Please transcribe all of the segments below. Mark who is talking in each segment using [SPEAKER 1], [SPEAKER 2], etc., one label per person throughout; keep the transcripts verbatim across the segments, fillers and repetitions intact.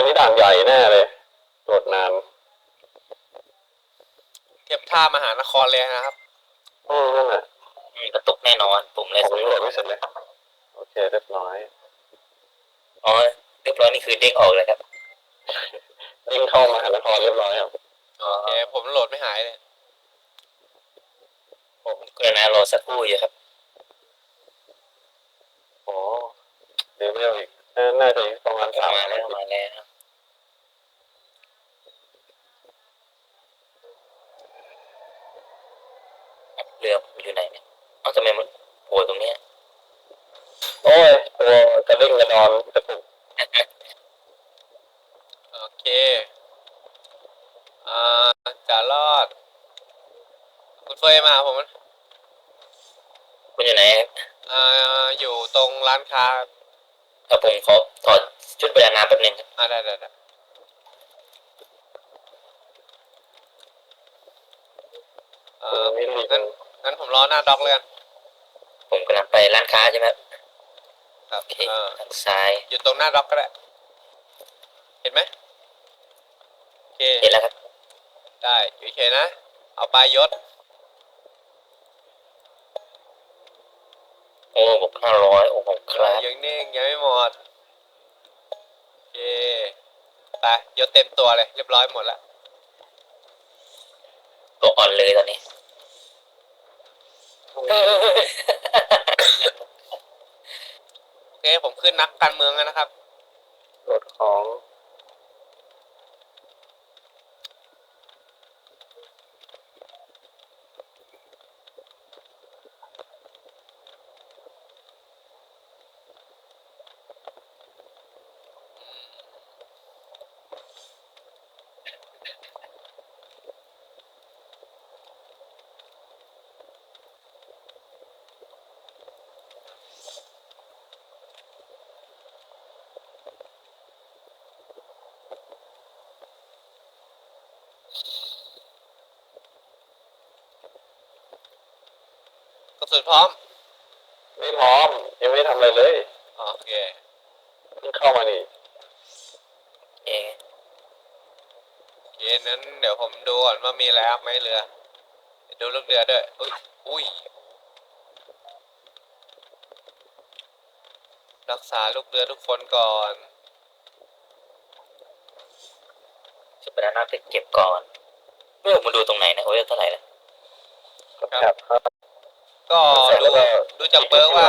[SPEAKER 1] นนี้ด่านใหญ่แน่เลยโหลดนาน
[SPEAKER 2] เทียบท่ามหานครเลยนะครับ
[SPEAKER 1] อืมนั่นแหละ
[SPEAKER 3] กระตุกแน่นอนผมเลย
[SPEAKER 1] ผมยังโหลดไม่เสร็จเลยโอเคเรียบร้อย
[SPEAKER 3] อ๋อเรียบร้อยนี่คือเด้งออกเลยครับ
[SPEAKER 1] เด้งเข้ามหานครเรียบร้อยครับ
[SPEAKER 3] อ๋อ
[SPEAKER 2] โอเคผมโหลดไม่หายเลย
[SPEAKER 3] ผมกรณารอสักครู่อยู่ครับ
[SPEAKER 1] โอ้เดี๋ยวไม่เอาอีกน่าจะประมาณสาม
[SPEAKER 3] มาแล้วมาแล้วเรือผมอยู่ไหนเนี่ยเอ้าทำไมมันโผล่ตรงเนี้ย
[SPEAKER 1] โอ้ยตัวกระเด้งกระดอนกระตุก
[SPEAKER 2] โอเคอ่าจะรอดคุณเฟยมาผม
[SPEAKER 3] คุณอยู่ไหน
[SPEAKER 2] อ่าอยู่ตรงร้านค้า
[SPEAKER 3] ครับผมขอถอดชุดประดาน้ำแป๊บนึงครับ
[SPEAKER 2] อ่าได้ได้ได้อ่างั้นงั้นผมรอหน้าด็อกเลยกัน
[SPEAKER 3] ผมกำลังไปร้านค้าใช่ไหม
[SPEAKER 2] ครับ
[SPEAKER 3] โอเคทางซ้าย
[SPEAKER 2] อยู่ตรงหน้าด็อกก็ได้เห็นไหมโอเค
[SPEAKER 3] เห็นแล้วครับ
[SPEAKER 2] ได้อยู่เฉยนะเอาปลายยศ
[SPEAKER 3] โอ้บวกห้าร้อยโอ้โหครับ
[SPEAKER 2] ยังนิ่งยังไม่หมดโอเคไปยศเต็มตัวเลยเรียบร้อยหมดแล้ว
[SPEAKER 3] ตัวอ่อนเลยตอนนี้
[SPEAKER 2] โอเคผมขึ้นนักการเมืองแล้วนะครับ
[SPEAKER 1] โหลดของ
[SPEAKER 2] กระสุนพร้อม
[SPEAKER 1] ไม่พร้อมยังไม่ทำอะไรเลย
[SPEAKER 2] โอเค
[SPEAKER 1] เพิ่งเข้ามานี่
[SPEAKER 3] เอ
[SPEAKER 2] โอเคนั้นเดี๋ยวผมดูก่อนว่ามีอะไรครับไหมเรือดูลูกเรือด้วยอุ้ยอุ้ยรักษาลูกเรือทุกคนก่อน
[SPEAKER 3] ชุดประดาน้ำไปเก็บก่อนเมื่อมาดูตรงไหนนะโอ้ยเท่าไหร่ละ
[SPEAKER 1] ครับ
[SPEAKER 2] ก็ดูดูจากเบอร์ว่า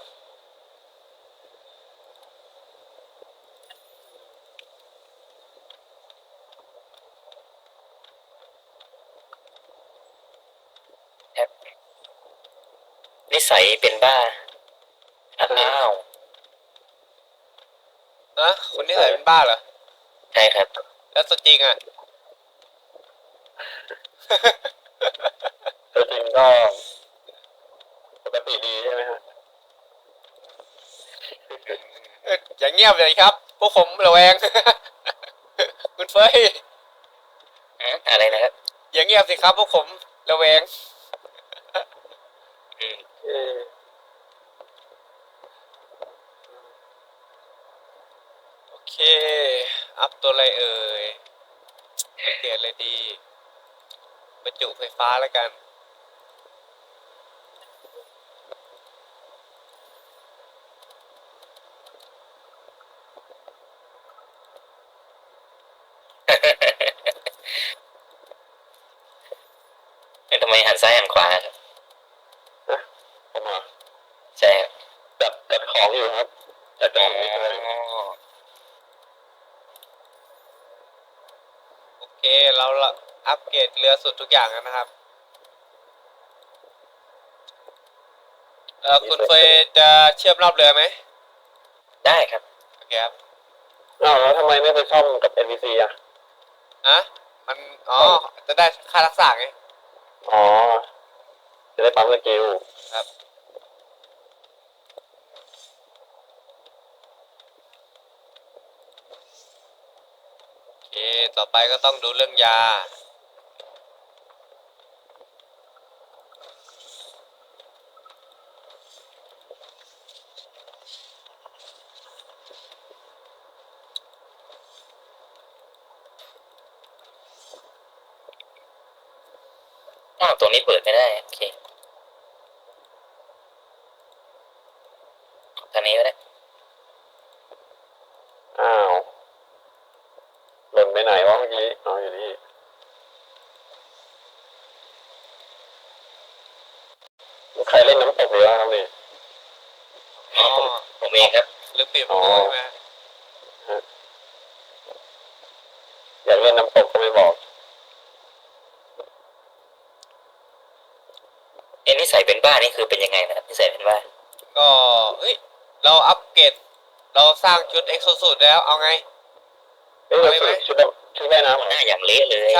[SPEAKER 3] นิสัยเป็นบ้าอ้าว
[SPEAKER 2] อะคนนี้ใส่เป็นบ้าเหรอ
[SPEAKER 3] ใช่ครับ
[SPEAKER 2] แล้วตัวจริงอ่ะ
[SPEAKER 1] ตัวจริงก็ปกติดีใช่ไหมฮะ
[SPEAKER 2] อย่างเงียบเลยครับพวกผมระแวงคุณเฟย
[SPEAKER 3] อะไรนะครับ
[SPEAKER 2] อย่างเงียบสิครับพวกผมระแวงโอเคอัพตัวอะไรเอ่ยเกรดเลยดีบรรจุไฟฟ้าแล้วกัน
[SPEAKER 3] ทำไมหันซ้ายหันขวาครับ
[SPEAKER 1] ผมอ่ะ
[SPEAKER 3] ใช่ครับ
[SPEAKER 1] จัดจัดของอยู่ครับจัดของนี่เลย
[SPEAKER 2] โอเคเราอัปเกรดเรือสุดทุกอย่างแล้วนะครับเออคุณเฟยจะเชื่อมรอบเรือไหม
[SPEAKER 3] ได้ครับ
[SPEAKER 2] โอเคครับ
[SPEAKER 1] อ้าวแล้วทำไมไม่ไปซ่อมกับ เอ็น พี ซี อ่ะ
[SPEAKER 2] อะมันอ๋อจะได้ค่ารักษาไง
[SPEAKER 1] อ๋อจะได้ปั๊มสกิล
[SPEAKER 2] ครับโอเคต่อไปก็ต้องดูเรื่องยา
[SPEAKER 3] าวตรงนี้เปิดไม่ได้โอเคทางนี้ก็ได้
[SPEAKER 1] อ้าวหล่นไปไหนวะเมื่อกี้อ๋ออยู่นี่ใครเล่นน้ำตกหรือว่าครับนี่
[SPEAKER 3] อ๋อผมผมเองครับ
[SPEAKER 2] หรือเปลี่ยน
[SPEAKER 1] อ๋อ
[SPEAKER 2] มือใช่ไหม
[SPEAKER 1] อยากเล่นน้ำตกก็ไม่บอก
[SPEAKER 3] เอ็นนิสัยเป็นบ้านี่คือเป็นยังไงนะครับนิสัยเป็นบ้า
[SPEAKER 2] ก็เฮ้ยเราอัปเกรดเราสร้างชุดเอ็กโซสูตแล้วเอาไง
[SPEAKER 1] เอ้ยเราฝึกชุดชุดว่ายน้ำเหรอ
[SPEAKER 3] หน้าอย่างเละเลย
[SPEAKER 2] ใช่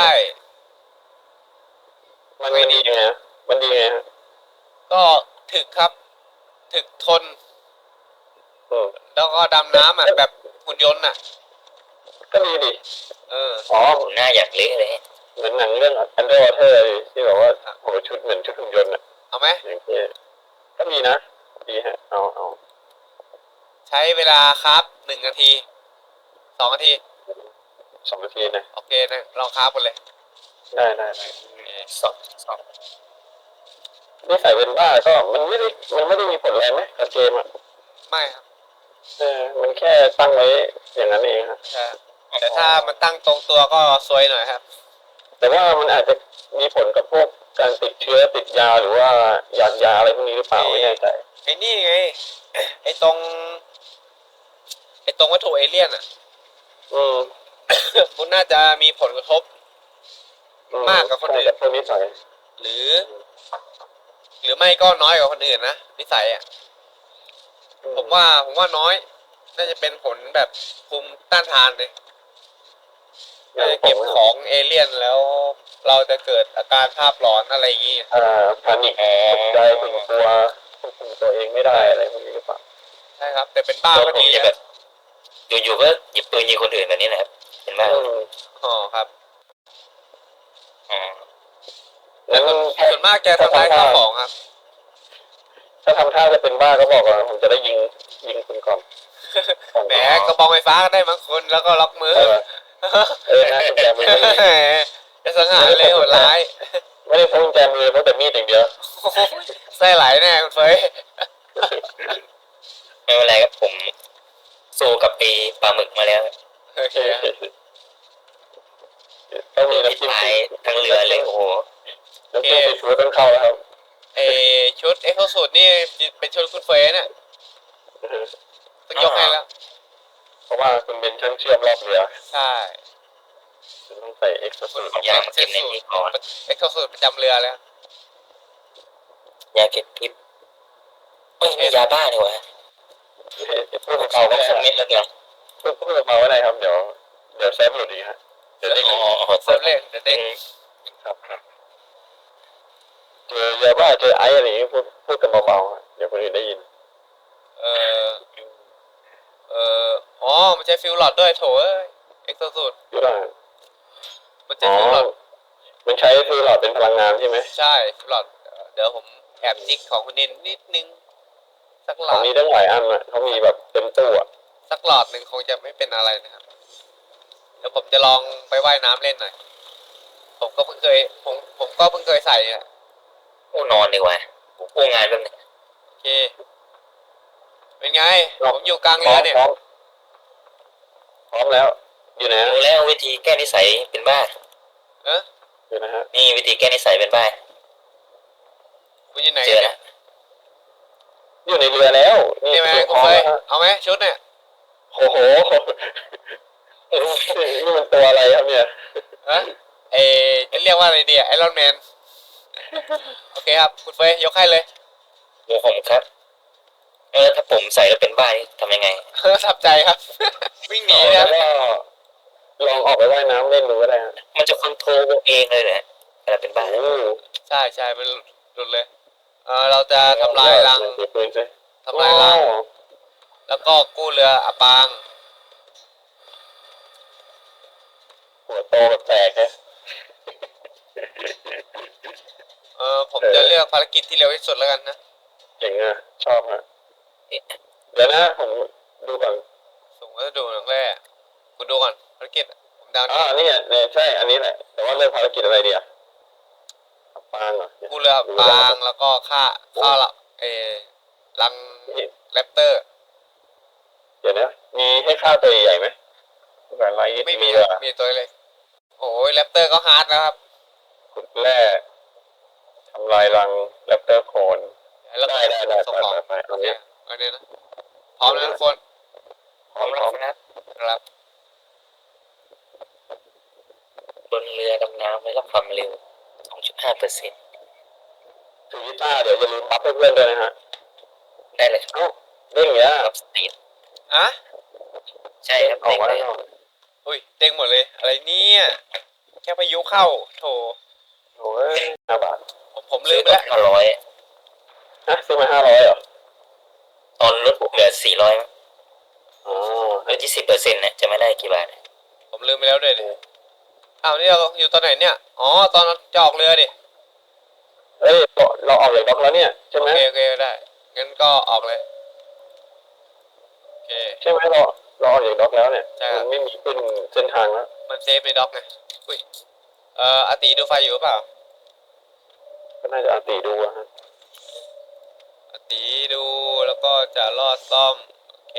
[SPEAKER 1] มันมันดียังไงฮะมันดียังไงฮะ
[SPEAKER 2] ก็ถึกครับ ถึกทน
[SPEAKER 1] อืม
[SPEAKER 2] แล้วก็ดำน้ำอ่ะแบบหุ่นยนต์อ่ะ
[SPEAKER 1] ก็ดีดิ
[SPEAKER 2] เออ
[SPEAKER 1] อ๋อ
[SPEAKER 3] หน้าอย่างเละเลย
[SPEAKER 1] เหมือนหนังเรื่อง Underwater เลยที่บอกว่าโหชุดเหมือนชุดหุ่นยนต์อะ
[SPEAKER 2] เอาไหม
[SPEAKER 1] อย่างเงี้ยก็ดีนะดีฮะเอาเอา
[SPEAKER 2] ใช้เวลาครับหนึ่งนาทีสองนาที
[SPEAKER 1] สองนาทีนะ
[SPEAKER 2] โอเคนะลองครับกันเลย
[SPEAKER 1] ได้ได้ได้
[SPEAKER 3] สองสอง
[SPEAKER 1] นิสัยเป็นบ้าก็มันไม่ได้มันไม่ได้มีผลอะไรไหมกับเกมอ่ะ
[SPEAKER 2] ไม่ครับ
[SPEAKER 1] เออมันแค่ตั้งไว้อย่างนั้นเองฮะ
[SPEAKER 2] ใช่แต่ถ้ามันตั้งตรงตัวก็ซวยหน่อยครับ
[SPEAKER 1] แต่ว่ามันอาจจะมีผลกับพวกการติดเชื้อติดยาหรือว่าหยาดยาอะไรพวกนี้หรือเปล่าไม่แน่ใจ
[SPEAKER 2] ไอ้นี่ไง ไอ้ตรง ไอ้ตรงวัตถุเอเลี่ยนอ่ะ
[SPEAKER 1] อืม
[SPEAKER 2] คุณน่าจะมีผลกระทบ
[SPEAKER 1] อื
[SPEAKER 2] มากกว่าคนอื่น
[SPEAKER 1] ใช่กับพวกนิสัย
[SPEAKER 2] หรือ หรือไม่ก็น้อยกว่าคนอื่นนะนิสัยอ่ะ
[SPEAKER 1] อื
[SPEAKER 2] ผมว่าผมว่าน้อย น่าจะเป็นผลแบบภูมิต้านทานเลย
[SPEAKER 1] อย่า
[SPEAKER 2] น่าง จะ
[SPEAKER 1] ผ
[SPEAKER 2] เก็บ
[SPEAKER 1] ม
[SPEAKER 2] ของเอเลี่ยนแล้ว เราจะเกิดอาการภาพหลอนอะไรอย่างงี้
[SPEAKER 1] อ่าพานิคตกใจถึงตัวควบคุมตัวเองไม่ได้อะไรพวกนี้หรือเปล่า
[SPEAKER 2] ใช่ครับ แต่เป็นบ้า
[SPEAKER 3] ตัว
[SPEAKER 2] ก็
[SPEAKER 3] ผม
[SPEAKER 2] ดี
[SPEAKER 3] จะแบ
[SPEAKER 2] นะ
[SPEAKER 3] บอยู่ๆก็หยิบปืนยิงคนอื่นแบบนี้นะครับเป็นบ้า
[SPEAKER 1] อืม
[SPEAKER 2] อ๋อครับ
[SPEAKER 3] อ๋อ
[SPEAKER 1] งั้น
[SPEAKER 2] ส่วนมากจะทำลายข้าวของครับ
[SPEAKER 1] ถ้าทำท่าจะเป็นบ้าก็บอกว่าผมจะได้ยิงยิงคุณก่อนก่อน
[SPEAKER 2] แหมกระบองไฟฟ้าก็ได้บางคนแล้วก็ล็อกมือ
[SPEAKER 1] เออเออนะกุญแจมือไม่มี
[SPEAKER 2] จะสังหารเลยโหดร้าย
[SPEAKER 1] ไม่ได้พกกุญแจมือเพราะแต่มีดอย่างเดียว
[SPEAKER 2] ไส้ไหลแน่คุณเฟย
[SPEAKER 3] ไม่เป็นไรครับผมสู้กับไอ้ปลาหมึกมาแล้ว
[SPEAKER 2] โอเคครับ
[SPEAKER 1] ต้องมี
[SPEAKER 3] ที่
[SPEAKER 1] น้ำจิ้ม
[SPEAKER 3] ตายทั้งเรือเลยโอ้โห
[SPEAKER 1] น้ำจิ้มซีฟู้ดต้องเข้าแล้วครับ
[SPEAKER 2] เออชุดเอ็กโซสูตนี่เป็นชุดคุณเฟยเนี่ยต้องยกให้แล้ว
[SPEAKER 1] เพราะว่าคุณเป็นช่างเชื่อมรอบเรือ
[SPEAKER 2] ใช่
[SPEAKER 1] คุณต้องใส่เอ็กซ์สูตร
[SPEAKER 3] ยามาเก็บในนี้ก่อน
[SPEAKER 2] เอ็กโซสูตประจำเรือแล้ว
[SPEAKER 3] ยาเก็บพิษเอ้ยมียาบ้านี่หวะ
[SPEAKER 1] พูด
[SPEAKER 3] เอา
[SPEAKER 1] เบาๆ
[SPEAKER 3] ก็
[SPEAKER 1] ก็
[SPEAKER 3] สัก
[SPEAKER 1] ได้
[SPEAKER 3] เม็ดแล้วกัน
[SPEAKER 1] พูดพูดเบาๆก็ได้ครับเดี๋ยวเดี๋ยวแซมหลุดอีกฮะเดี๋ยวได้
[SPEAKER 3] อ๋
[SPEAKER 1] ยิ
[SPEAKER 3] อน อ๋อ
[SPEAKER 2] เซิร์ฟเล่นเดี๋ยวเด็ก
[SPEAKER 1] ครับครับเจอยาบ้าเจอไอซ์อะไรอย่างงี้พูดพูดกันเบาๆฮะเดี๋ยวคนอื่นได้ยิน
[SPEAKER 2] เออเอออ๋อมันใช้ฟิลหลอดด้วยโถเอ้ยเอ็กโซสูต
[SPEAKER 1] อยู่ได้
[SPEAKER 2] มันใช้
[SPEAKER 1] อ๋อ
[SPEAKER 2] ฟิลหลอด
[SPEAKER 1] มันใช้ฟิลหลอดเป็นพลังงานใช่ไหม
[SPEAKER 2] ใช่ฟิลหลอดเดี๋ยวผมแอบจิกของคุณนินนิดนึงสักหล
[SPEAKER 1] ขอ
[SPEAKER 2] อง ด
[SPEAKER 1] นี้ตั้งหลายอันอ่ะเขามีแบบเต็มตู้อ่ะ
[SPEAKER 2] สักหลอดหนึ่งคงจะไม่เป็นอะไรนะครับเดี๋ยวผมจะลองไปว่ายน้ำเล่นหน่อยผมก็เพิ่งเคยผมผมก็เพิ่งเคยใส่เนี่ย
[SPEAKER 3] โอ้นอนดีกว่าผมกู้งานแป๊บนึง
[SPEAKER 2] โอเคเป็นไงผมอยู่กลางเรือเนี่ย
[SPEAKER 1] พร้อมพร้อมแล้ว อยู่ไหนฮะ
[SPEAKER 3] รู้แล้ววิธีแก้นิสัยเป็นบ้า
[SPEAKER 2] เอ๊ะ
[SPEAKER 1] อยู่นะฮะ
[SPEAKER 3] นี่วิธีแก้นิสัยเป็นบ้า
[SPEAKER 2] คุณอยู่ไหน
[SPEAKER 3] เจอ
[SPEAKER 2] เนี่
[SPEAKER 3] แล้
[SPEAKER 2] ยว
[SPEAKER 1] อยู่ในเรือแล้วนี่
[SPEAKER 2] นี่ไหม
[SPEAKER 1] ตัว
[SPEAKER 2] คุ
[SPEAKER 1] พ
[SPEAKER 2] ณ
[SPEAKER 1] ร้อม
[SPEAKER 2] เฟย
[SPEAKER 1] แล้วฮะ
[SPEAKER 2] เอาไหมชุดเนี่ย
[SPEAKER 1] โอ้โหนี่มันตัวอะไรครับเนี่ย
[SPEAKER 2] เอ๊ะเอจะเรียกว่าอะไรดีไอรอนแมนโอเคครับคุณเฟยยกให้เลย
[SPEAKER 3] โอ้ผมครับเออถ้าผมใส่แล้วเป็นบ้านี่ทำยังไง
[SPEAKER 2] ทับใจครับ วิ่งหนี
[SPEAKER 1] แล้
[SPEAKER 2] นะ
[SPEAKER 1] วก็ลองออกไปว่ายน้ำเล่นดูก็ได้ฮะ
[SPEAKER 3] มันจะคอนโทรลเองเลยแหละเวลาเป็นบ้า
[SPEAKER 1] โอ้
[SPEAKER 2] ใช่ใช่มันหลุดเลยเออเราจะทำลายรัง
[SPEAKER 1] เดี๋ยวปืนสิ
[SPEAKER 2] ทำลายรัง
[SPEAKER 1] โอ้
[SPEAKER 2] แล้วก็กู้เรืออับปาง
[SPEAKER 1] หัวโตแบบแตกนะ
[SPEAKER 2] เออผมจะเลือกภารกิจที่เร็วที่สุดแล้วกันนะ
[SPEAKER 1] เจ๋งอ่ะ ชอบฮะเดี๋ยวนะผมดูก่อน
[SPEAKER 2] ส่งวัสดุหนังแร่คุณดูก่อนภารกิจอะผมดาว
[SPEAKER 1] อ่า
[SPEAKER 2] นี้
[SPEAKER 1] นี่เนี่ยใช่ อันนี้แหละ แต่ว่าเรื่องภารกิจอะไรดีอ่ะไปปางเหรอ
[SPEAKER 2] กู้เรืออับปางแล้วก็ค่าค่าละเออลัง
[SPEAKER 1] นี่
[SPEAKER 2] แรปเตอร์
[SPEAKER 1] เดี๋ยวนะมีให้ค่าตัวใหญ่ไหมแบบไร
[SPEAKER 2] ไม่มี
[SPEAKER 1] เรือ
[SPEAKER 2] มีตัวเล็กโอ้ยแรปเตอร์ก็ฮาร์ดแล้วครับ
[SPEAKER 1] ขุดแร่ทำลายรังแรปเตอร์โคน
[SPEAKER 2] แล้วก็
[SPEAKER 1] ได้ได้ได้
[SPEAKER 2] ส่งของ
[SPEAKER 1] ไปไปไปเอาเนี่ย
[SPEAKER 2] เอาเนี่ยนะพร้อมแล้วทุกคน
[SPEAKER 1] พร้อมพร้อม
[SPEAKER 2] ครับ
[SPEAKER 3] บนเรือดำน้ำไม่รับความเร็ว สองจุดห้าเปอร์เซ็นต์
[SPEAKER 1] ถือกีตาร์เดี๋ยวจะลืมบัฟให้เพื่อนด้วยนะฮะ
[SPEAKER 3] ได้เลยครับ
[SPEAKER 1] เอ้าเรื่องเงี้ย
[SPEAKER 3] รับสตีด
[SPEAKER 2] อ่ะ
[SPEAKER 3] ใช่ครับ
[SPEAKER 1] ออกมา
[SPEAKER 3] เด้
[SPEAKER 1] แล้
[SPEAKER 3] ง
[SPEAKER 1] ว
[SPEAKER 3] เลย
[SPEAKER 2] อุ้ยเด้งหมดเลย อะไรเนี่ยแค่พายุเข้าโถ
[SPEAKER 1] โอ้ยห้าบาท
[SPEAKER 2] ผมผมลืมไปแล้ว
[SPEAKER 3] ห้าร้อย
[SPEAKER 1] ฮะซื้อมาห้าร้อยเหรอ
[SPEAKER 3] ตอนลดเหลือสี่ร้อย
[SPEAKER 1] อ๋อ
[SPEAKER 3] ลดยี่สิบเปอร์เซ็นต์เนี่ยจะไม่ได้กี่บาท
[SPEAKER 2] ผมลืมไปแล้วด้วยดิอ้าวนี่เราอยู่ตอนไหนเนี่ยอ๋อตอนจะออกเรือดิ
[SPEAKER 1] เอ้ยเราเราออกจากบล็อกแล้วเนี่ยใช่
[SPEAKER 2] โอ
[SPEAKER 1] ไหม
[SPEAKER 2] เคโอเคได้งั้นก็ออกเลยโอเค
[SPEAKER 1] ใช่ไหมเราเราออกจากบล็อกแล้วเนี่ย
[SPEAKER 2] ใช่ครับ
[SPEAKER 1] มันไม่มีขึ้นเส้นทางแล้ว
[SPEAKER 2] มันเซฟในด็อกไงอุ้ยเอ่ออาติดูไฟอยู่หรือเปล่า
[SPEAKER 1] ก็น่าจะอาตีดูอะฮะ
[SPEAKER 2] อาติดูแล้วก็จะลอดซ่อมโอเค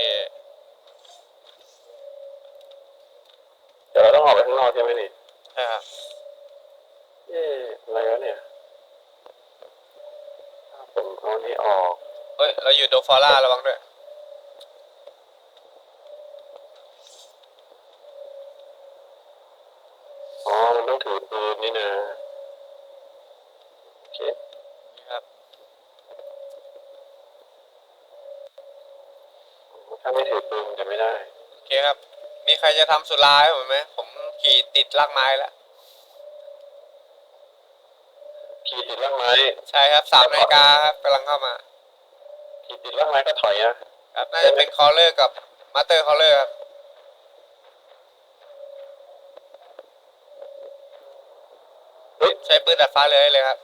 [SPEAKER 1] เดี๋ยวเราต้องออกไปข้างนอกใช่ไหมนี่
[SPEAKER 2] ใช่ครับ
[SPEAKER 1] เอ๊ะอะไรวะเนี่ยถ้าผมเอานี่ออก
[SPEAKER 2] เฮ้ยเราอยู่โดฟอร่าระวังด้วย
[SPEAKER 1] อ๋อมันต้องถือปืนนี่นะโอเค
[SPEAKER 2] ครับ
[SPEAKER 1] ถ้าไม่ถือปืนมันจะไม่ได้
[SPEAKER 2] โอเคครับ มีใครจะทำสุราให้ผมไหมผมขี่ติดลากไม้แล้ว
[SPEAKER 1] ขี่ติดล่างไม้
[SPEAKER 2] ใช่ครับสามนาฬิกาครับกำลังเข้ามา
[SPEAKER 1] ขี่ติดล่างไม้ก็ถอยนะครับ
[SPEAKER 2] น่าจะเป็นคอลเลอร์กับมาสเตอร์คอลเลอร์ครับ
[SPEAKER 1] เฮ้ย
[SPEAKER 2] ใช้ปืนดัดฟ้าเลยได้เลยครับ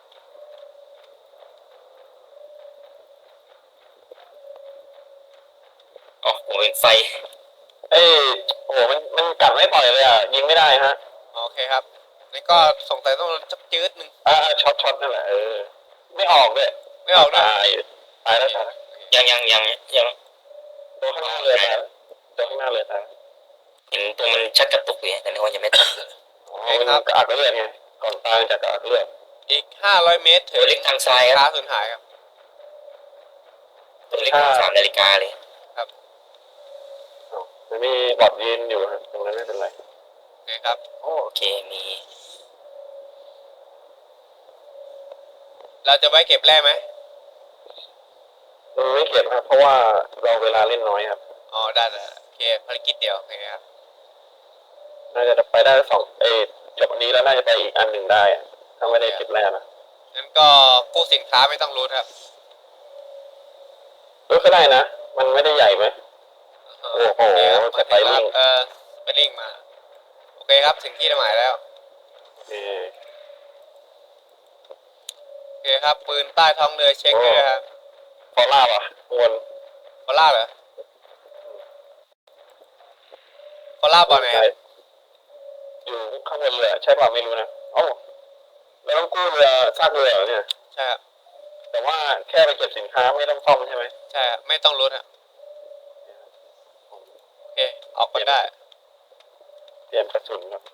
[SPEAKER 3] อ๋อผมเป็นไฟ
[SPEAKER 1] เอ้ยโอ้โหมันมันกัดไม่ปล่อยเลยอ่ะยิงไม่ได้ฮะ
[SPEAKER 2] โอเคครับนี่ก็สงสัยต้องจักจืดหนึ่ง
[SPEAKER 1] อ่าช็อตช็อตนั่นแหละเออไม่ออกด้วย
[SPEAKER 2] ไม่ออกด้วย
[SPEAKER 1] ตายตายแล้วตายแล้ว
[SPEAKER 3] ยังยังยังยัง
[SPEAKER 1] ตัวข้างหน้าเลยตายแล้วตัวข้างหน้าเลยตายแล้ว
[SPEAKER 3] เห็นตัวมันชักกระตุกอยู่แต่นึกว่ายังไม่ตัด
[SPEAKER 1] อ๋อมันกระอักเลือดไงก่อนตายจากกระอักเลือด
[SPEAKER 2] อีกห้าร้อยเมตรถึ
[SPEAKER 3] ตัว
[SPEAKER 2] ง
[SPEAKER 3] เล็กทางซ้ายค
[SPEAKER 2] ค้า
[SPEAKER 3] รับ
[SPEAKER 2] สูญหายครับ
[SPEAKER 3] ตัวเล็กทางสามนาฬิกาเลย
[SPEAKER 1] อ๋อมันมีบอดยืนอยู่ฮะตรงนั้นไม่เป็นไร
[SPEAKER 2] โอเคครับ
[SPEAKER 3] โอเคมี
[SPEAKER 2] เราจะไว้เก็บแร่ไหม
[SPEAKER 1] มันไม่เก็บครับเพราะว่าเราเวลาเล่นน้อยครับ
[SPEAKER 2] อ๋อได้ได้โอเคภารกิจเดียวโอเคครับ
[SPEAKER 1] น่าจะไปได้สองเอยจบวันนี้แล้วน่าจะไปอีกอันหนึ่งได้อะถ้าไม่ได้เก็บแรกนะ
[SPEAKER 2] งั้นก็กู้สินค้าไม่ต้องรู้ครับ
[SPEAKER 1] รู้ก็ได้นะ มันไม่ได้ใหญ่ไหม
[SPEAKER 2] เออ
[SPEAKER 1] โอ้โห
[SPEAKER 2] โอเคครับ
[SPEAKER 1] สไปริ่ง
[SPEAKER 2] เออไปลิงมาโอเคครับถึงที่หมายแล้ว
[SPEAKER 1] เออ
[SPEAKER 2] โอเคครับปืนใต้ท้องเรือเช็คด้วยนะครับ
[SPEAKER 1] พอลาบอ่ะวน
[SPEAKER 2] ฟอล่าเหรอฟอล่าบอลไหนครับ
[SPEAKER 1] อยู่ข้างบนเรือใช่ป่ะไม่รู้นะเอ้าเราต้องกู้เรือซากเรือเหรอเนี่ย
[SPEAKER 2] ใช่ครับ
[SPEAKER 1] แต่ว่าแค่ไปเก็บสินค้าไม่ต้องซ่อมใช่ไหม
[SPEAKER 2] ใช่ครับไม่ต้องรู้ครับโอเคออกกันได้
[SPEAKER 1] เตรียมกระสุนครับ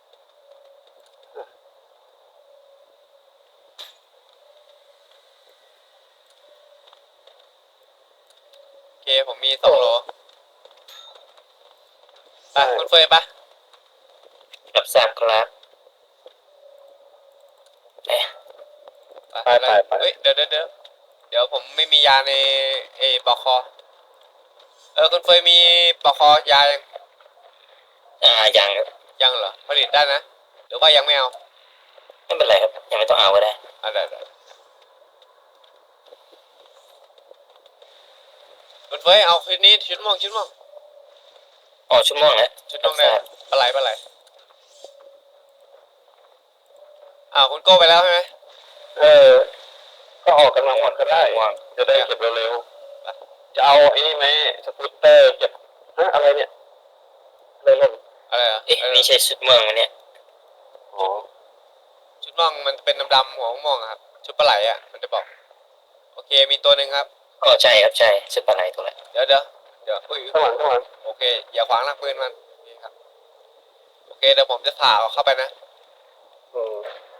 [SPEAKER 2] โอเคผมมีสองโหลไปคุณเฟยปะ
[SPEAKER 3] รับทราบครับเอ๊ะ
[SPEAKER 1] ไปไปไป
[SPEAKER 2] เฮ้ยเดี๋ยวเดี๋ยวเดี๋ยวเดี๋ยวผมไม่มียาในเอปอกคอเออคุณเฟยมีปอกคอยายัง
[SPEAKER 3] อ่ายังครับ
[SPEAKER 2] ยังเหรอผลิตได้นะหรือว่ายังไม่เอา
[SPEAKER 3] ไม่เป็นไรครับยังไม่ต้องเอาก็ได้
[SPEAKER 2] อ่ะได้ได้คุณเฟยเอาคืนนี้ชุดม่วงชุดม่วง
[SPEAKER 3] อ๋อชั่วโมงแล้ว
[SPEAKER 2] ชุดม่วงได้ปลาไหลปลาไหลอ้าวคุณโก้ไปแล้วใช่ไหม
[SPEAKER 1] เออ ก็ออกกำลังหมดก็ได้
[SPEAKER 3] วาง
[SPEAKER 1] จะได้เก็บเร็วๆจะเอาไอ้นี่ไหมสกูตเตอร์เก็บฮะอะไรเนี่ยอะไรล่น
[SPEAKER 2] อะไรอ่ะ
[SPEAKER 3] เอ๊ะนี่ใช่ชุดเมืองอันเนี้ย
[SPEAKER 1] อ๋อ
[SPEAKER 2] ชุดดม่วงมันเป็นดำๆหัวม่วงอะครับชุดปลาไหลอ่ะมันจะบอกโอเคมีตัวหนึ่งครับ
[SPEAKER 3] ก็ใช่ครับใช่ชุดปลาไหลตัวแหละ
[SPEAKER 2] เดี๋ยวเดี๋ยวเดี๋ยวอุ้ย
[SPEAKER 1] ข้างหลังข้างหลัง
[SPEAKER 2] โอเคอย่าขวางหน้าปืนมันนี่ครับโอเคเดี๋ยวผมจะผ่าเอาเข้าไปนะ
[SPEAKER 1] อืม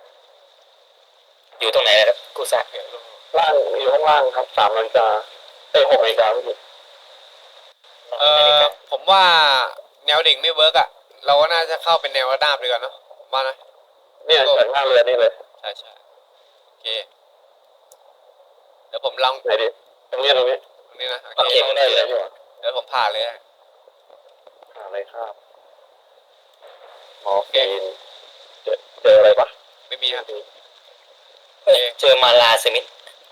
[SPEAKER 3] อยู่ตรงไหนนะครับกูซ่า
[SPEAKER 2] โอเคลง
[SPEAKER 1] ล่างอยู่ข้างล่างครับสามนาฬิกาเอ้ยหกนาฬิกาไม่ผิด
[SPEAKER 2] เอ่อผมว่าแนวดิ่งไม่เวิร์กอ่ะเราก็น่าจะเข้าเป็นแนวระนาบดีกว่าเนอะผมว่านะ
[SPEAKER 1] เนี่ยจากหน้าเรือนี่เลย
[SPEAKER 2] ใช่ใช่โอเคเดี๋ยวผมลอง
[SPEAKER 1] ไหนดิตรงนี้ตรงนี้
[SPEAKER 2] ตรงนี้นะโอ
[SPEAKER 3] โอ
[SPEAKER 2] เค
[SPEAKER 3] เคไม่ได้
[SPEAKER 1] ได้
[SPEAKER 3] เล
[SPEAKER 1] เลย ยดีกว่า
[SPEAKER 2] เดี๋ยวผมผ่าเลยนะ
[SPEAKER 1] หาอะไรครับมอร์ฟีนเจอเจออะไรปะ
[SPEAKER 2] ไม่มีครับ
[SPEAKER 3] เฮ้ยเจอมาลาสมิธ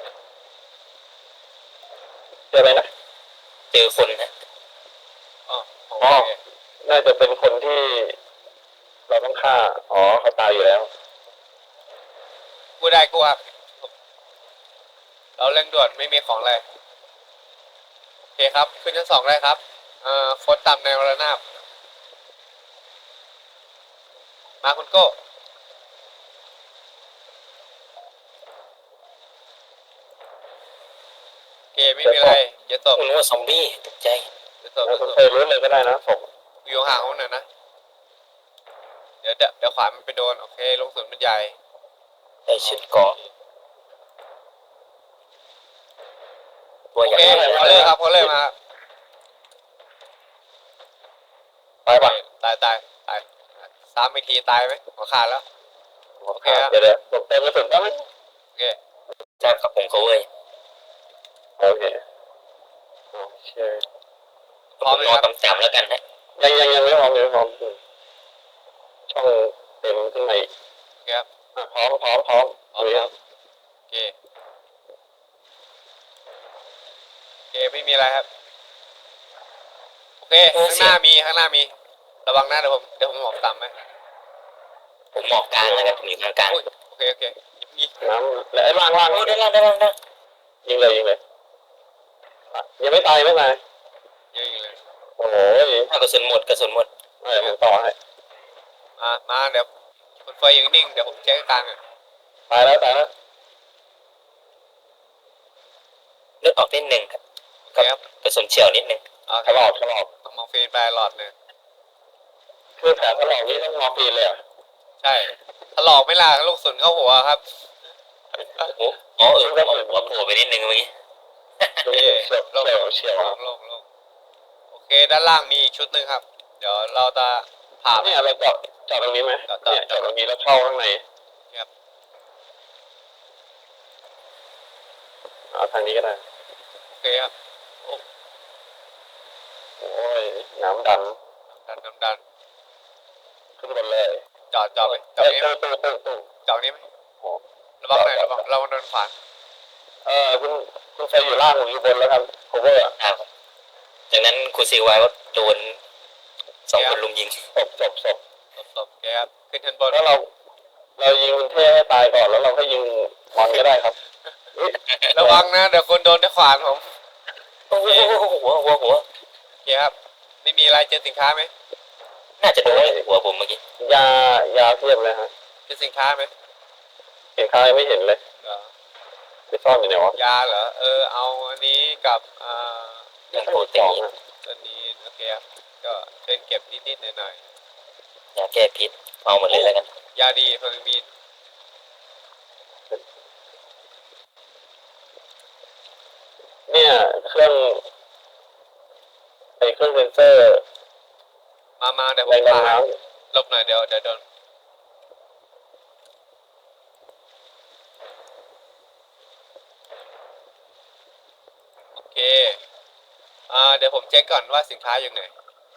[SPEAKER 1] เจออะไรนะ
[SPEAKER 3] เจอคนนะ
[SPEAKER 2] อ๋อโอ
[SPEAKER 1] อ๋อ
[SPEAKER 2] เค
[SPEAKER 1] น่าจะเป็นคนที่ เราต้องฆ่าอ๋อเขาตายอยู่แล้ว
[SPEAKER 2] กูได้กูครับเราเร่งด่วนไม่มีของอะไรโอเคครับขึ้นชั้นสองได้ครับเอ่อโค้ดตามแนวระนาบมาคุณโก้โอเคไม่มีอะไรอย่าตบ
[SPEAKER 3] คุณว่าซอมบี้ตกใจ
[SPEAKER 2] อย่าตบอ
[SPEAKER 1] แล้ว
[SPEAKER 2] ย่า
[SPEAKER 1] คุณ
[SPEAKER 2] ตบ
[SPEAKER 1] เคยรู้เลยก็ได้นะผม
[SPEAKER 2] อยู่ห่างเขาหน่อยนะเดี๋ยวเดี๋ยวเดี๋ยวขวามันไปโดนโอเคลงสุนมันใหญ่
[SPEAKER 3] ใส่ชุดเกราะตัว
[SPEAKER 2] โอ
[SPEAKER 3] ใหญ่
[SPEAKER 2] เคเขาเลยครับเขาเลยมา
[SPEAKER 1] ตายปะ
[SPEAKER 2] ตายตายตายสามอีกทีตายไหมหัวขาดแล้ว โอเคครับ
[SPEAKER 1] เดี๋ยวเดี๋ยวหลบเต็มกระสุนได้ไหม
[SPEAKER 2] โอเค
[SPEAKER 3] ใช่ครับผมเขาเว้ย
[SPEAKER 1] โอเคโอเค
[SPEAKER 2] พร้อม
[SPEAKER 3] ผม
[SPEAKER 2] เลย
[SPEAKER 3] นอน
[SPEAKER 2] ครับ
[SPEAKER 3] ต่ำๆแล้วกันฮะ
[SPEAKER 1] ยังยังยังไม่พร้อมยังไม่พร้อมช่องเต็มขึ้นมาอีก
[SPEAKER 2] โอเคครับ
[SPEAKER 1] อ่ะพร้อมพร้อมพร้อม
[SPEAKER 2] พร้อมครับโอเคโอเคไม่มีอะไรครับโอเคข้างหน้ามีข้างหน้ามีระวังนะเดี๋ยวผมเดี๋ยวผมหมอบต่ำไหม
[SPEAKER 3] ผมหมอกกลางแล้วกันผมอยู่กลางกลาง
[SPEAKER 2] อุ้ยโอเคโอเคยิง
[SPEAKER 1] น้ำและไอ้ล่างล่าง
[SPEAKER 3] โอ้ได้แล้วได้แล้วได้
[SPEAKER 1] ยิงเลยยิงเลยอ่ะยังไม่ตายไม่ตาย
[SPEAKER 2] ยิงยิงเลย
[SPEAKER 1] โอ้ย
[SPEAKER 3] แล้วกระสุนหมดกระสุนหมด
[SPEAKER 1] ไม่ผมต่อให้
[SPEAKER 2] มามาเดี๋ยวคุณเฟยยังนิ่งเดี๋ยวผมเช็คกลางอ่ะ
[SPEAKER 1] ตายแล้วตายแล้ว
[SPEAKER 3] เลือดออกนิดหนึ่งครับ
[SPEAKER 2] โอเคครับ
[SPEAKER 3] กระสุนเฉียวนิดหนึ่ง
[SPEAKER 2] โอเค
[SPEAKER 1] ถลอกถลอก
[SPEAKER 2] มองฟีนไปหลอดหนึ่ง
[SPEAKER 1] คือแผลถลอกนี่ต้องมอร์ฟีนเลยเหรอ่ะ
[SPEAKER 2] ใช่ถลอกไม่ล่ะลูกสุนเข้าหัวครับ
[SPEAKER 3] โอ้โหอ๋อเออหัวหัวโผล่ไปนิดหนึ่งเมื่อกี้
[SPEAKER 1] ดูเฉียว
[SPEAKER 2] โล่ง
[SPEAKER 1] เฉียวเฉียว
[SPEAKER 2] โล่งโล่งโล่งโอเคด้านล่างมีอีกชุดหนึ่งครับ เดี๋ยวเราจะผ่าไป
[SPEAKER 1] เนี่ยเราจอดจอดตรงนี้ไหม
[SPEAKER 2] จอดจอด
[SPEAKER 1] เนี่ยจอดตรงนี้แล้วเข้าข้างใน
[SPEAKER 2] ครับ
[SPEAKER 1] เอาทางนี้ก็ได้
[SPEAKER 2] โอเคครับ
[SPEAKER 1] โอ้ยน้ำดัน
[SPEAKER 2] ดันดันดัน
[SPEAKER 1] ขึ้นบนเลย
[SPEAKER 2] จอดจอดไปจอ
[SPEAKER 1] เอ้
[SPEAKER 2] ด
[SPEAKER 1] ย
[SPEAKER 2] นี้ไหม
[SPEAKER 1] ตู้ตู้ตู้ตู้
[SPEAKER 2] จอดนี้ไหม
[SPEAKER 1] โอ้
[SPEAKER 2] ระวังหน่อยระวังระวังโดนขวาน
[SPEAKER 1] เออคุณคุณไฟอยู่ล่างผมอยู่บนแล้วครับโคเวอร์
[SPEAKER 3] อ่าครับจากนั้นครูซีไว้ว่าโดนสองคนลุมยิง
[SPEAKER 1] ศพศพศพ
[SPEAKER 2] ศพศพโอเคครับขึ้นชั้นบน
[SPEAKER 1] แล้วเรา เรายิงคุณเท่ให้ตายก่อนแล้วเราก็ยิงมอนก็ได้ครับอุ๊ย
[SPEAKER 2] ระวังนะเดี๋ยวคนโดนด้วยขวานผม
[SPEAKER 3] โอ้โหหัวหัวหัว
[SPEAKER 2] โอเคครับไม่มีอะไรเจอสินค้าไหม
[SPEAKER 3] น่าจะโดนหัวผมเมื่อกี้
[SPEAKER 1] ยายาเพียบเลยฮะ
[SPEAKER 2] เจอสินค้าไหม
[SPEAKER 1] เห็นใครไม่เห็นเลย
[SPEAKER 2] เหรอ
[SPEAKER 1] ไปซ่อนอยู่ไหนวะ
[SPEAKER 2] ยาเหรอเออเอาอันนี้กับอ่า
[SPEAKER 3] เรื่องโปรตี
[SPEAKER 1] สอง
[SPEAKER 3] น
[SPEAKER 1] อะ
[SPEAKER 2] ตัวนี้โอเคครับก็เชิญเก็บนิดๆหน่อย
[SPEAKER 3] ยาแก้พิษเอาหมดเลยแล้วกัน
[SPEAKER 2] ๆยาดีเพลิงมีด
[SPEAKER 1] เนี่ยเครื่องไอเครื่องเซนเซอร์
[SPEAKER 2] มามาเดี๋ยวผ
[SPEAKER 1] แร
[SPEAKER 2] ม
[SPEAKER 1] งดัน
[SPEAKER 2] พา
[SPEAKER 1] น้
[SPEAKER 2] ลบหน่อยเดี๋ยวเดี๋ยวโดนโอเคอ่าเดี๋ยวผมเช็คก่อนว่าสินค้าอยู่ไหน
[SPEAKER 1] ำ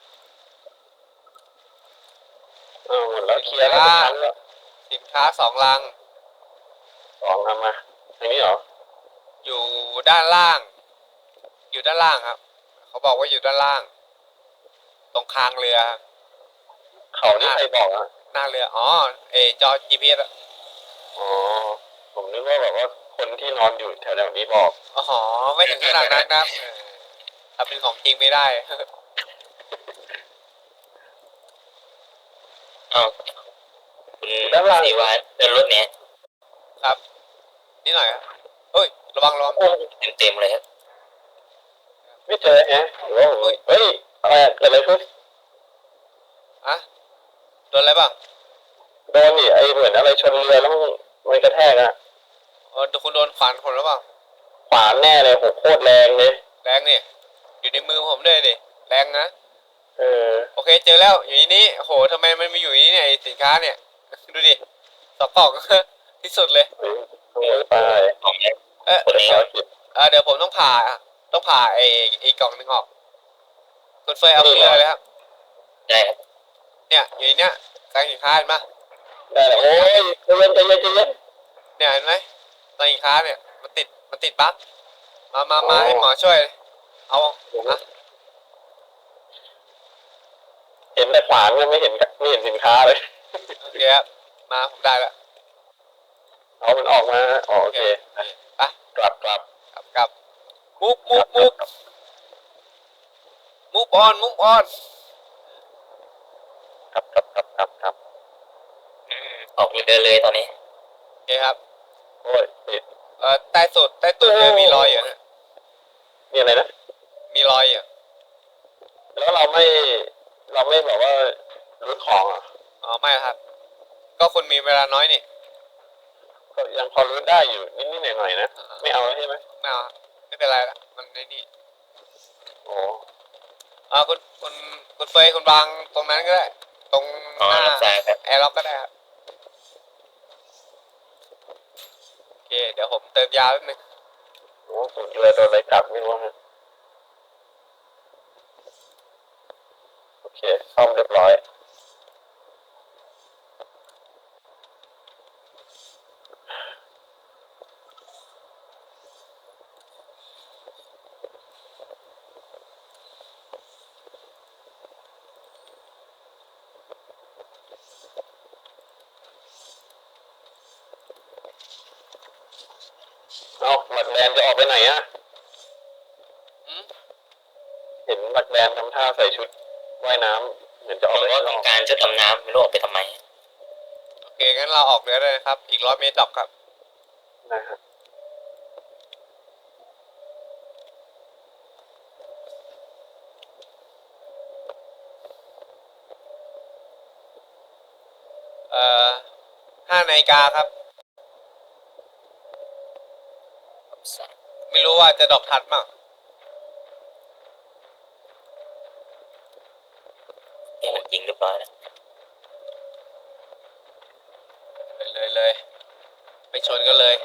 [SPEAKER 1] อ้าวหมดแล้วเคลียร์แล้วทุกครั้งแล้ว
[SPEAKER 2] สินค้าสองลัง
[SPEAKER 1] สองทำมาทางนี้เหรอ
[SPEAKER 2] อยู่ด้านล่าง อยู่ด้านล่างครับ เขาบอกว่าอยู่ด้านล่าง ตรงคางเรือครับ
[SPEAKER 1] เขานี่ใครบอกอ่ะ
[SPEAKER 2] หน้าเรืออ๋อเออจอ จี พี เอส อะ
[SPEAKER 1] อ๋อผมนึกว่าแบบว่าคนที่นอนอยู่แถวๆนี้บอก
[SPEAKER 2] อ๋อไม่ถึงขนาดนั้นนะครับเออถ้าเป็นของจริงไม่ได้
[SPEAKER 3] เอาคุณสีวานเดินรถเนี้ย
[SPEAKER 2] ครับนี่หน่อยครับเฮ้ยระวังระวัง
[SPEAKER 1] โอ้ย
[SPEAKER 3] เต็มเต็มๆเลยครับ
[SPEAKER 1] ไม่เจอแฮะหรือว่าผมเฮ้ยอะไรอะเกิดอะไรขึ้น
[SPEAKER 2] อะโดนอะไรบ้าง
[SPEAKER 1] โดนนี่ไอเหมือนอะไรชนเรือแล้วมันมันกระแทกอะ
[SPEAKER 2] เออคุณโดนขวานคนหรือเปล่า
[SPEAKER 1] ขวานแน่เลยโหโคตรแรงเลย
[SPEAKER 2] แรงนี่อยู่ในมือผมด้วยดิแรงนะ
[SPEAKER 1] เออ
[SPEAKER 2] โอเคเจอแล้วอยู่ในนี้โหทำไมมันมีอยู่ในนี้เนี่ยไอ้สินค้าเนี่ย ดูดิสอกกล่อง ที่สุดเลย
[SPEAKER 1] เฮ้ยขโมยไป
[SPEAKER 3] ของเนี่ย
[SPEAKER 2] เอ๊ะ
[SPEAKER 3] คนนี้
[SPEAKER 1] ภารกิจ
[SPEAKER 2] เออเดี๋ยวผมต้องผ่าต้องผ่าไอ้ไอ้กล่องหนึงออกคุณเฟยเอาขึ้นเลยเลยครับ
[SPEAKER 3] ได้ครับ
[SPEAKER 2] เนี่ยอยู่ในเนี้ยกลางสินค้าเห็นปะ
[SPEAKER 1] ได้แล้วโอ้ยใจเย็นใจเย็นใจเย็น
[SPEAKER 2] เนี่ยเห็นไหมกลางสินค้าเนี่ยมันติดมันติดบั๊กมามามาให้หมอช่วยเอาอะ
[SPEAKER 1] เห็นแต่ขวานมันไม่เห็นไม่เห็นสินค้าเลย
[SPEAKER 2] โอเคครับมาผมได้แล้ว
[SPEAKER 1] เอามันออกมาอ๋อโอเค
[SPEAKER 2] ไป
[SPEAKER 1] กลับกลับ
[SPEAKER 2] กลับกลับมุกมุกมุกมุกออนมุกออน
[SPEAKER 1] กลับกลับกลับกลับกลับ
[SPEAKER 3] อืมออกเดินเลยตอนนี้
[SPEAKER 2] โอเคครับ
[SPEAKER 1] โอ้ยติด
[SPEAKER 2] เอ่อใต้สุดใต้ตุดเนี่ยมีรอยอยู่นะ
[SPEAKER 1] นี่อะไรนะ
[SPEAKER 2] มีรอยอยู่
[SPEAKER 1] แล้วเราไม่เราไม่แบบว่ารื้อของอ่ะ
[SPEAKER 2] อ๋อไม่ครับ ก็คุณมีเวลาน้อยนี่
[SPEAKER 1] ก็ยังพอรื้อได้อยู่นิดๆหน่อยๆนะไม่เอาแล้วใช่ไหม
[SPEAKER 2] ไม่เอาครับไม่เป็นไรละมันในนี่
[SPEAKER 1] โอ้
[SPEAKER 2] อ่าคุณคุณคุณเฟยคุณวางตรงนั้นก็ได้ ตรง
[SPEAKER 3] อ๋อ
[SPEAKER 2] หน้า
[SPEAKER 3] รับทราบครับ
[SPEAKER 2] แอร์ล็อกก็ได้ครับโอเคเดี๋ยวผมเติมยาแป๊บนึง
[SPEAKER 1] โหสุดเลยโดนอะไรกัดไม่รู้ฮะโอเคซ่อมเรียบร้อยเอาหมักแดนจะออกไปไหนอะ
[SPEAKER 2] อืม
[SPEAKER 1] เห็นหมักแดนทำท่าใส่ชุดว่ายน้ำเหมือนจะอ
[SPEAKER 3] ผ
[SPEAKER 1] อก
[SPEAKER 3] ม
[SPEAKER 1] ไป
[SPEAKER 3] ก็
[SPEAKER 1] ข้างน
[SPEAKER 3] ต้อ
[SPEAKER 1] อง ก
[SPEAKER 3] การชุดดำน้ำไม่รู้ออกไปทำไม
[SPEAKER 2] โอเคงั้นเราออกเรือเลยนะครับ อีกร้อยเมตรดอกครับ
[SPEAKER 1] นะครับ
[SPEAKER 2] เอ่อห้านาฬิกาครับ ไม่รู้ว่าจะดอกทัดมั้ง
[SPEAKER 3] นี่มันยิงเรียบร้อยแล้ว
[SPEAKER 2] เลยเลยเลยไปชนกันเลย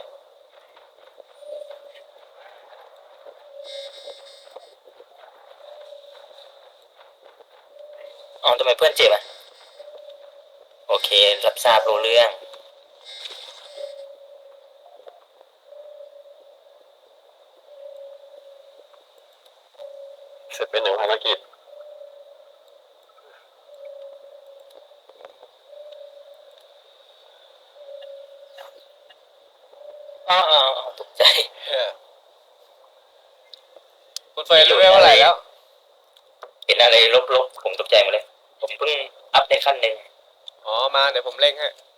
[SPEAKER 3] อ๋อทำไมเพื่อนเจ็บอ่ะโอเครับทราบรู้เรื่อง
[SPEAKER 1] เสร็จเป็นหนึ่งภารกิจ
[SPEAKER 3] อ๋ออ๋ออ๋อตกใจ
[SPEAKER 2] เออคุณเฟยรู้ไหมว่าอะไรแล้ว
[SPEAKER 3] เห็นอะไรลบๆผมตกใจหมดเลย ผมเพิ่งอัพในขั้นหนึ่ง
[SPEAKER 2] อ๋อมาเดี๋ยวผมเร่งให้